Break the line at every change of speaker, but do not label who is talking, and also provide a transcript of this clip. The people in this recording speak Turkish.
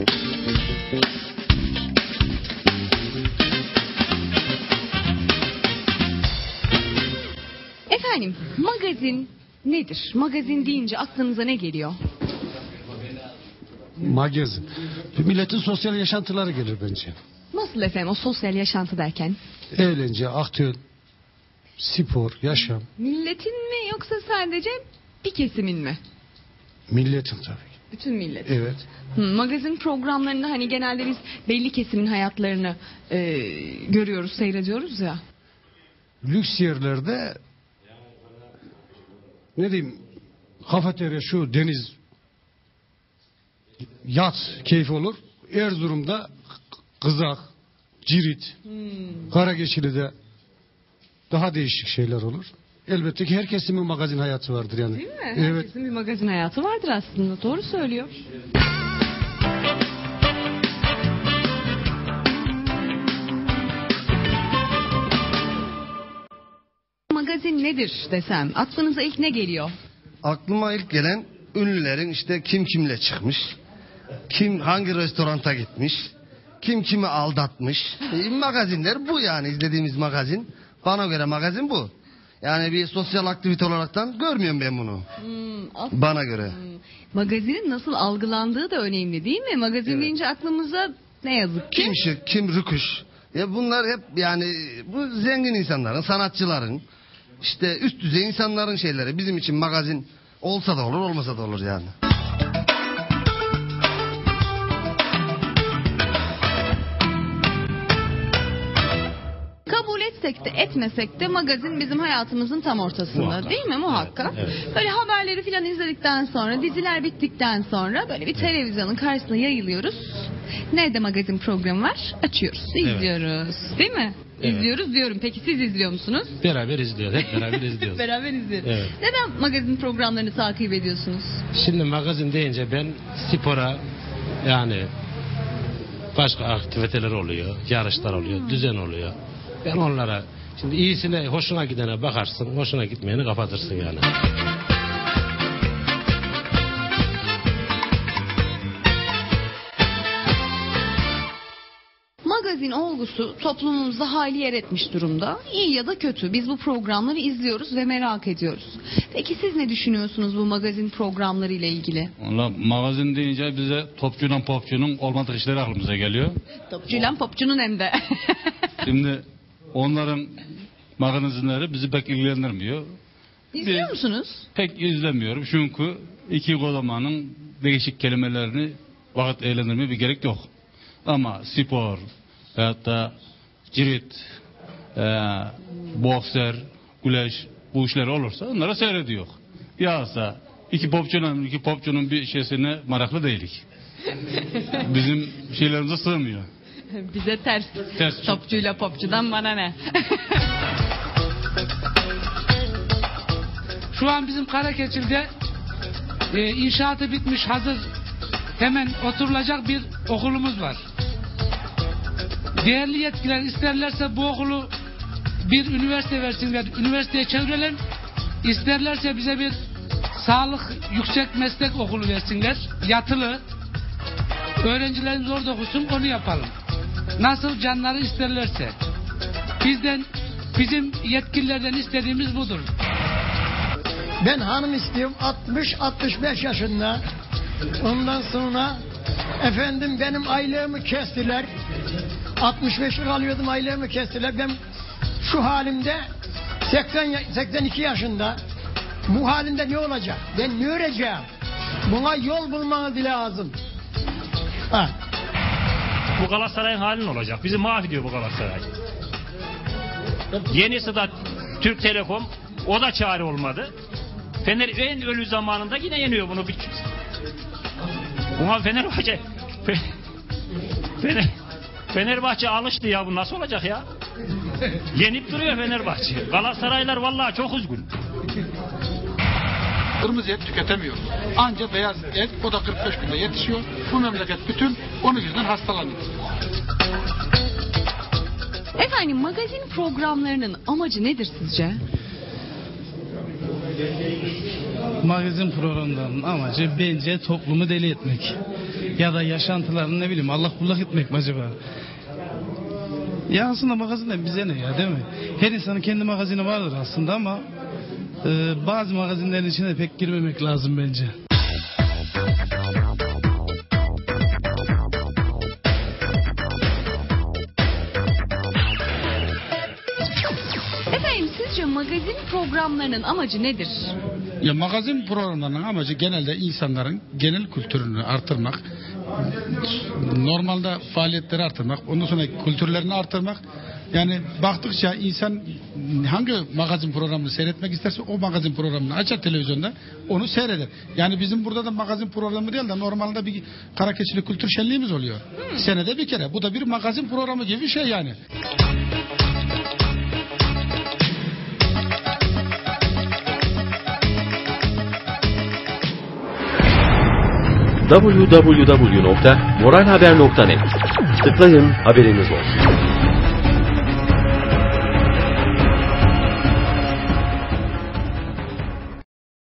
Efendim, magazin nedir? Magazin deyince aklınıza ne geliyor?
Magazin. Milletin sosyal yaşantıları gelir bence.
Nasıl efendim o sosyal yaşantı derken?
Eğlence, aktüel, spor, yaşam.
Milletin mi yoksa sadece bir kesimin mi?
Milletin tabii.
Bütün millet.
Evet.
Magazin programlarında hani genelde biz belli kesimin hayatlarını görüyoruz, seyrediyoruz ya.
Lüks yerlerde ne diyeyim, kafeterya, şu deniz, yat keyfi olur. Erzurum'da Kızak, Cirit, Karageçili'de daha değişik şeyler olur. Elbette ki herkesin bir magazin hayatı vardır yani.
Değil mi?
Evet.
Herkesin bir magazin hayatı vardır aslında. Doğru söylüyor. Magazin nedir desem aklınıza ilk ne geliyor?
Aklıma ilk gelen ünlülerin işte kim kimle çıkmış, kim hangi restoranta gitmiş, kim kimi aldatmış. Magazinler bu yani, izlediğimiz magazin. Bana göre magazin bu. Yani bir sosyal aktivite olaraktan görmüyorum ben bunu. Bana göre.
Magazinin nasıl algılandığı da önemli değil mi? Magazin
Evet.
deyince aklımıza ne yazık ki.
Kim şık, kim rüküş. Ya bunlar hep yani bu zengin insanların, sanatçıların, işte üst düzey insanların şeyleri. Bizim için magazin olsa da olur, olmasa da olur yani.
Kabul etsek de etmesek de magazin bizim hayatımızın tam ortasında.
Muhakkak.
Değil mi? Muhakkak.
Evet, evet.
Böyle haberleri falan izledikten sonra, diziler bittikten sonra böyle bir televizyonun karşısına yayılıyoruz. Nerede magazin programı var? Açıyoruz, izliyoruz. Değil mi?
Evet.
İzliyoruz diyorum. Peki siz izliyor musunuz?
Beraber izliyoruz. Hep beraber izliyoruz.
Beraber izliyoruz.
Evet.
Neden magazin programlarını takip ediyorsunuz?
Şimdi magazin deyince ben spora, yani başka aktiviteler oluyor, yarışlar oluyor, düzen oluyor. Ben onlara, şimdi iyisine, hoşuna gidene bakarsın, hoşuna gitmeyeni kapatırsın yani.
Magazin olgusu toplumumuzda hali yer etmiş durumda. İyi ya da kötü. Biz bu programları izliyoruz ve merak ediyoruz. Peki siz ne düşünüyorsunuz bu magazin programları ile ilgili?
Valla magazin deyince bize topçuyla popçunun olmadık işleri aklımıza geliyor.
Topçuyla popçunun hem de.
Şimdi onların magazinleri bizi pek ilgilendirmiyor.
İzliyor musunuz?
Pek izlemiyorum çünkü iki kodamanın değişik kelimelerini vakit eğlendirmeye bir gerek yok. Ama spor veyahut da cirit, bokser, güleş, bu işler olursa onlara seyrediyor. Yağsa iki popçunun bir şeysine meraklı değilik. Bizim şeylerimize sığmıyor.
Bize ters.
Ters.
Topçuyla popçudan bana ne?
Şu an bizim Karakeçil'de inşaatı bitmiş, hazır, hemen oturulacak bir okulumuz var. Değerli yetkililer isterlerse bu okulu bir üniversite versinler, üniversiteye çevirelim. İsterlerse bize bir sağlık yüksek meslek okulu versinler, yatılı. Öğrencilerimiz orada okusun, onu yapalım. Nasıl canları isterlerse. Bizim yetkililerden istediğimiz budur.
Ben hanım istiyorum 60-65 yaşında. Ondan sonra efendim benim aylığımı kestiler. 65'lik alıyordum, aylığımı kestiler. Ben şu halimde 82 yaşında. Bu halimde ne olacak? Ben ne öreceğim? Buna yol bulmanız lazım. Ha.
Bu Galatasaray'ın halin olacak. Bizi mahvediyor bu Galatasaray. Yenisi de Türk Telekom. O da çare olmadı. Fener en ölü zamanında yine yeniyor bunu. Buna Fenerbahçe alıştı ya, bu nasıl olacak ya? Yenip duruyor Fenerbahçe. Galatasaraylar vallahi çok üzgün.
Kırmızı et tüketemiyoruz. Anca beyaz et, o da 45 günde yetişiyor. Bu memleket bütün onun yüzünden hastalanıyor.
Efendim magazin programlarının amacı nedir sizce?
Magazin programlarının amacı bence toplumu deli etmek. ya da yaşantılarını ne bileyim Allah kullak etmek mi acaba? Ya aslında magazinler bize ne ya, değil mi? Her insanın kendi magazini vardır aslında ama bazı magazinlerin içine pek girmemek lazım bence.
Efendim sizce magazin programlarının amacı nedir?
Ya magazin programlarının amacı genelde insanların genel kültürünü artırmak, normalde faaliyetleri artırmak, ondan sonra kültürlerini artırmak. Yani baktıkça insan hangi magazin programını seyretmek isterse o magazin programını açar televizyonda, onu seyreder. Yani bizim burada da magazin programı değil de normalde bir Karakeçili Kültür Şenliğimiz oluyor. Senede bir kere. Bu da bir magazin programı gibi bir şey yani.
www.moralhaber.net. Tıklayın, haberiniz olsun.